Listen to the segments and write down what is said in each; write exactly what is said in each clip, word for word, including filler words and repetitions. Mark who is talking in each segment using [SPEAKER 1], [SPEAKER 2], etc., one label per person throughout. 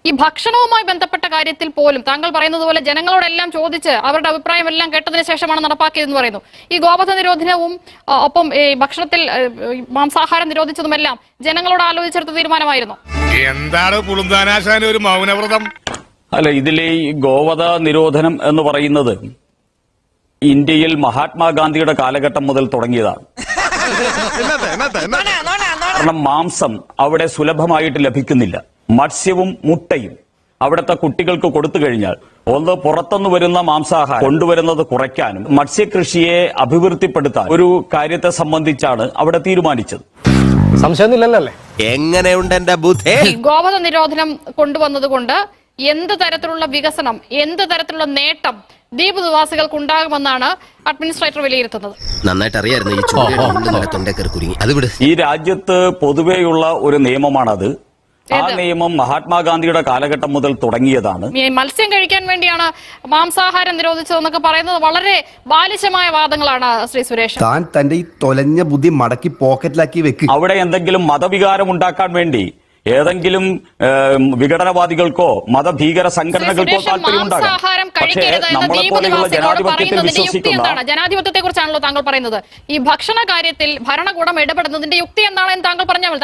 [SPEAKER 1] ഈ ഭക്ഷണവുമായി ബന്ധപ്പെട്ട കാര്യത്തിൽ പോലും താങ്കൾ പറയുന്നത് പോലെ ജനങ്ങളോടെല്ലാം ചോദിച്ച് അവരുടെ അഭിപ്രായം എല്ലാം കേട്ടതിന് ശേഷമാണ് നടപ്പാക്കിയതെന്ന് പറയുന്നു. ഈ ഗോവധ നിരോധനവും ഒപ്പം ഈ ഭക്ഷണത്തിൽ മാംസാഹാരം നിരോധിച്ചതുമെല്ലാം ജനങ്ങളോട് ആലോചിച്ചെടുത്ത തീരുമാനമായിരുന്നു.
[SPEAKER 2] എന്താണ് പുളുന്താനാശാന ഒരു മൗനവ്രതം?
[SPEAKER 3] അല്ല, ഇതിലെ ഈ ഗോവധ നിരോധനം എന്ന് പറയുന്നത് ഇന്ത്യയിൽ മഹാത്മാഗാന്ധിയുടെ കാലഘട്ടം മുതൽ തുടങ്ങിയതാണ്. കാരണം മാംസം അവിടെ സുലഭമായിട്ട് ലഭിക്കുന്നില്ല. മത്സ്യവും മുട്ടയും അവിടുത്തെ കുട്ടികൾക്ക് കൊടുത്തു കഴിഞ്ഞാൽ ഒന്ന് പുറത്തുനിന്ന് വരുന്ന മാംസാഹാരം കൊണ്ടുവരുന്നത് കുറയ്ക്കാനും മത്സ്യകൃഷിയെ അഭിവൃദ്ധിപ്പെടുത്താൻ ഒരു കാര്യത്തെ സംബന്ധിച്ചാണ് അവിടെ തീരുമാനിച്ചത്.
[SPEAKER 4] സംശയമൊന്നുമില്ലല്ലേ?
[SPEAKER 5] എങ്ങനെയുണ്ട് എന്റെ ബുദ്ധി?
[SPEAKER 1] ഗോവധ നിരോധനം കൊണ്ടുവന്നത് കൊണ്ട് എന്ത് തരത്തിലുള്ള വികസനം, എന്ത് തരത്തിലുള്ള നേട്ടം ദ്വീപ് നിവാസികൾക്ക് ഉണ്ടാകുമെന്നാണ് അഡ്മിനിസ്ട്രേറ്റർ വിലയിരുത്തുന്നത്.
[SPEAKER 5] നന്നായിട്ട് അറിയായിരുന്നു
[SPEAKER 3] ഈ രാജ്യത്ത് പൊതുവെയുള്ള ഒരു നിയമമാണത്. ആ നിയമം മഹാത്മാഗാന്ധിയുടെ കാലഘട്ടം മുതൽ തുടങ്ങിയതാണ്.
[SPEAKER 1] മത്സ്യം കഴിക്കാൻ വേണ്ടിയാണ് മാംസാഹാരം നിരോധിച്ചതെന്നൊക്കെ പറയുന്നത് വളരെ ബാലിശമായ വാദങ്ങളാണ്. ശ്രീ സുരേഷ്,
[SPEAKER 6] താൻ തന്റെ ഈ തൊലഞ്ഞ ബുദ്ധി മടക്കി പോക്കറ്റിലാക്കി വെക്ക്.
[SPEAKER 3] അവിടെ എന്തെങ്കിലും മതവികാരം ഉണ്ടാക്കാൻ വേണ്ടി ഏതെങ്കിലും വിഘടനവാദികൾക്കോ മതഭീകര സംഘടനകൾക്കോ താല്പര്യമുണ്ടാകാം. പക്ഷേ നമ്മളെ പോലെയുള്ള ജനാധിപത്യത്തിൽ വിശ്വസിക്കുന്ന
[SPEAKER 1] ജനാധിപത്യത്തെ കുറിച്ചാണല്ലോ താങ്കൾ പറയുന്നത്. ഈ ഭക്ഷണ കാര്യത്തിൽ ഭരണകൂടം ഇടപെടുന്നതിന്റെ യുക്തി എന്താണെന്ന് താങ്കൾ പറഞ്ഞാൽ.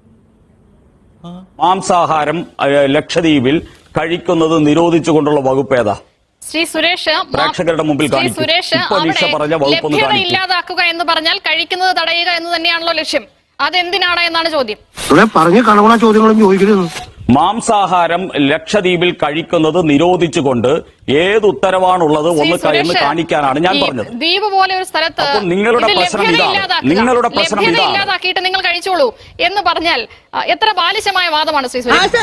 [SPEAKER 3] മാംസാഹാരം ലക്ഷദ്വീപിൽ കഴിക്കുന്നത് നിരോധിച്ചുകൊണ്ടുള്ള വകുപ്പ് ഏതാ?
[SPEAKER 1] ശ്രീ സുരേഷ്,
[SPEAKER 3] പ്രേക്ഷകരുടെ മുമ്പിൽ
[SPEAKER 1] സുരേഷ് ലഭ്യത ഇല്ലാതാക്കുക എന്ന് പറഞ്ഞാൽ കഴിക്കുന്നത് തടയുക എന്ന് തന്നെയാണല്ലോ ലക്ഷ്യം. അതെന്തിനാണ് എന്നാണ് ചോദ്യം.
[SPEAKER 4] പറഞ്ഞു കാണുന്ന ചോദ്യങ്ങളും ചോദിക്കരുത്.
[SPEAKER 3] മാംസാഹാരം ലക്ഷദ്വീപിൽ കഴിക്കുന്നത് നിരോധിച്ചുകൊണ്ട് ഏത് ഉത്തരവാണുള്ളത് ഒന്ന് എന്ന് കാണിക്കാനാണ് ഞാൻ പറഞ്ഞത്.
[SPEAKER 1] ദ്വീപ് പോലെ ഒരു സ്ഥലത്ത്
[SPEAKER 3] നിങ്ങളുടെ പ്രശ്നം ഇതാണ്. നിങ്ങളുടെ പ്രശ്നം
[SPEAKER 1] ഇല്ലാതാക്കിയിട്ട് നിങ്ങൾ കഴിച്ചോളൂ എന്ന് പറഞ്ഞാൽ എത്ര ബാലിശമായ വാദമാണ് ശ്രീ സുരേഷ്.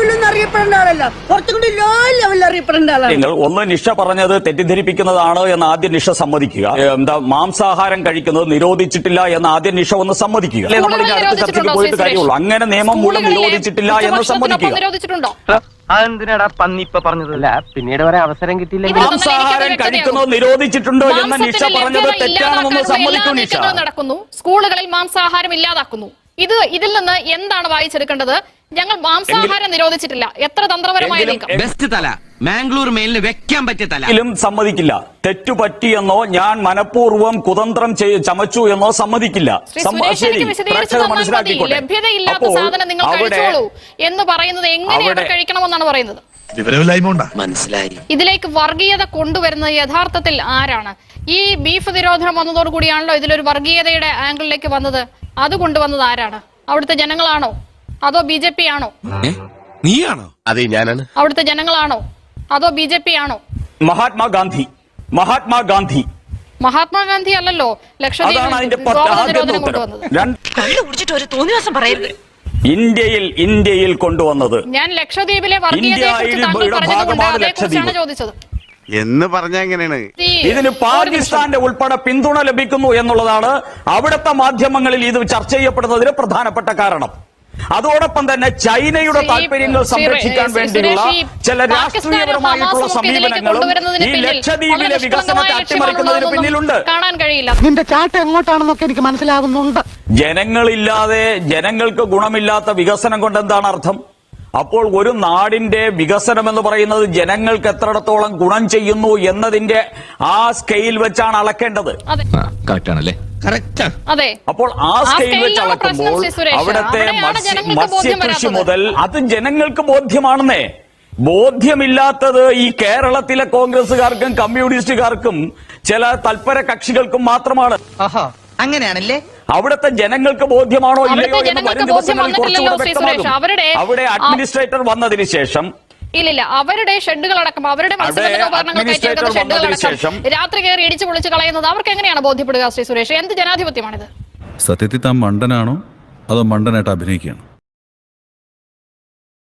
[SPEAKER 3] നിങ്ങൾ ഒന്ന് നിഷ പറഞ്ഞത് തെറ്റിദ്ധരിപ്പിക്കുന്നതാണ് എന്ന് ആദ്യം നിഷ സമ്മതിക്കുക. എന്താ മാംസാഹാരം കഴിക്കുന്നത് നിരോധിച്ചിട്ടില്ല എന്ന് ആദ്യം നിഷ ഒന്ന് സമ്മതിക്കുക. നമ്മൾ ഇനി അടുത്ത ചർച്ചയ്ക്ക് പോയിട്ട് കാര്യമുള്ളൂ. അങ്ങനെ നിയമം മൂലം നിരോധിച്ചിട്ടില്ല എന്ന് സമ്മതിക്കുക.
[SPEAKER 4] അതെന്തിനാടാ പന്നി ഇപ്പൊ പറഞ്ഞതല്ല, പിന്നീട് വരെ അവസരം കിട്ടിയില്ല.
[SPEAKER 3] മാംസാഹാരം കഴിക്കുന്നത് നിരോധിച്ചിട്ടുണ്ടോ എന്ന് നിഷ പറഞ്ഞത് തെറ്റാണെന്ന് സമ്മതിക്കൂ നിഷ.
[SPEAKER 1] നടക്കുന്നു, സ്കൂളുകളിൽ മാംസാഹാരം ഇല്ലാതാക്കുന്നു. ഇത് ഇതിൽ നിന്ന് എന്താണ് വായിച്ചെടുക്കേണ്ടത്? ഞങ്ങൾ മാംസാഹാരം നിരോധിച്ചിട്ടില്ല. എത്ര തന്ത്രപരമായ
[SPEAKER 5] ബെസ്റ്റ് തല മാംഗ്ലൂർ മെയിലിന് വെക്കാൻ പറ്റിയ തല
[SPEAKER 3] സമ്മതിക്കില്ല. തെറ്റുപറ്റിയെന്നോ ഞാൻ മനഃപൂർവ്വം കുതന്ത്രം ചമച്ചു എന്നോ സമ്മതിക്കില്ല.
[SPEAKER 1] ലഭ്യതയില്ലാത്ത സാധനം നിങ്ങൾ കഴിച്ചോളൂ എന്ന് പറയുന്നത് എങ്ങനെയാണ് കഴിക്കണമെന്നാണ് പറയുന്നത്.
[SPEAKER 5] മനസ്സിലായി.
[SPEAKER 1] ഇതിലേക്ക് വർഗീയത കൊണ്ടുവരുന്നത് യഥാർത്ഥത്തിൽ ആരാണ്? ഈ ബീഫ് നിരോധനം വന്നതോടുകൂടിയാണല്ലോ ഇതിലൊരു വർഗീയതയുടെ ആംഗിളിലേക്ക് വന്നത്. അത് കൊണ്ടുവന്നത് ആരാണ്? അവിടുത്തെ ജനങ്ങളാണോ അതോ ബി ജെ പി ആണോ?
[SPEAKER 5] നീയാണോ? അതെ, ഞാനാണ്.
[SPEAKER 1] അവിടുത്തെ ജനങ്ങളാണോ അതോ ബി ജെ പി ആണോ?
[SPEAKER 3] മഹാത്മാഗാന്ധി മഹാത്മാഗാന്ധി
[SPEAKER 1] മഹാത്മാഗാന്ധി അല്ലല്ലോ ലക്ഷദ്വീപ് കൊണ്ടുവന്നത്.
[SPEAKER 3] ഇന്ത്യയിൽ ഇന്ത്യയിൽ കൊണ്ടുവന്നത്.
[SPEAKER 1] ഞാൻ ലക്ഷദ്വീപിലെ വർഗീയതയെക്കുറിച്ചാണ് ചോദിച്ചത്
[SPEAKER 6] എന്ന് പറഞ്ഞ എങ്ങനെയാണ്?
[SPEAKER 3] ഇതിന് പാകിസ്ഥാന്റെ ഉൾപ്പെടെ പിന്തുണ ലഭിക്കുന്നു എന്നുള്ളതാണ് അവിടുത്തെ മാധ്യമങ്ങളിൽ ഇത് ചർച്ച ചെയ്യപ്പെടുന്നതിന് പ്രധാനപ്പെട്ട കാരണം. അതോടൊപ്പം തന്നെ ചൈനയുടെ താല്പര്യങ്ങൾ സംരക്ഷിക്കാൻ വേണ്ടിയുള്ള ചില രാഷ്ട്രീയപരമായിട്ടുള്ള സമീപനങ്ങളും ഈ ലക്ഷദ്വീപിലെ വികസനത്തെ അട്ടിമറിക്കുന്നതിന് പിന്നിലുണ്ട്.
[SPEAKER 1] കാണാൻ കഴിയില്ല.
[SPEAKER 4] നിന്റെ ചാട്ട എങ്ങോട്ടാണെന്നൊക്കെ എനിക്ക് മനസ്സിലാകുന്നുണ്ട്.
[SPEAKER 3] ജനങ്ങളില്ലാതെ ജനങ്ങൾക്ക് ഗുണമില്ലാത്ത വികസനം കൊണ്ട് എന്താണ് അർത്ഥം? അപ്പോൾ ഒരു നാടിന്റെ വികസനം എന്ന് പറയുന്നത് ജനങ്ങൾക്ക് എത്രത്തോളം ഗുണം ചെയ്യുന്നു എന്നതിന്റെ ആ സ്കെയിൽ വെച്ചാണ് അളക്കേണ്ടത്. അപ്പോൾ ആ സ്കെയിൽ വെച്ച് അളക്കുമ്പോൾ അവിടുത്തെ മത്സ്യകൃഷി മുതൽ അത് ജനങ്ങൾക്ക് ബോധ്യമാണെന്നേ. ബോധ്യമില്ലാത്തത് ഈ കേരളത്തിലെ കോൺഗ്രസുകാർക്കും കമ്മ്യൂണിസ്റ്റുകാർക്കും ചില തൽപര കക്ഷികൾക്കും മാത്രമാണ്.
[SPEAKER 7] അങ്ങനെയാണല്ലേ?
[SPEAKER 3] അവിടുത്തെ ജനങ്ങൾക്ക് ബോധ്യമാണോ ഇല്ലയോ എന്ന് വരും ദിവസങ്ങളിൽ കുറച്ചുകൂടെ വ്യക്തമാകും. അവിടെ അഡ്മിനിസ്ട്രേറ്റർ വന്നതിന് ശേഷം
[SPEAKER 1] ഇല്ലില്ല, അവരുടെ ഷെഡുകളടക്കം അവരുടെ ഷെഡുകളടക്കം രാത്രി കയറി ഇടിച്ചു പൊളിച്ച് കളയുന്നത് അവർക്ക് എങ്ങനെയാണ് ബോധ്യപ്പെടുക? ശ്രീ സുരേഷ്, എന്ത് ജനാധിപത്യമാണിത്?
[SPEAKER 8] സത്യത്തിൽ താൻ മണ്ടനാണോ അതോ മണ്ടനായിട്ട് അഭിനയിക്കുകയാണോ?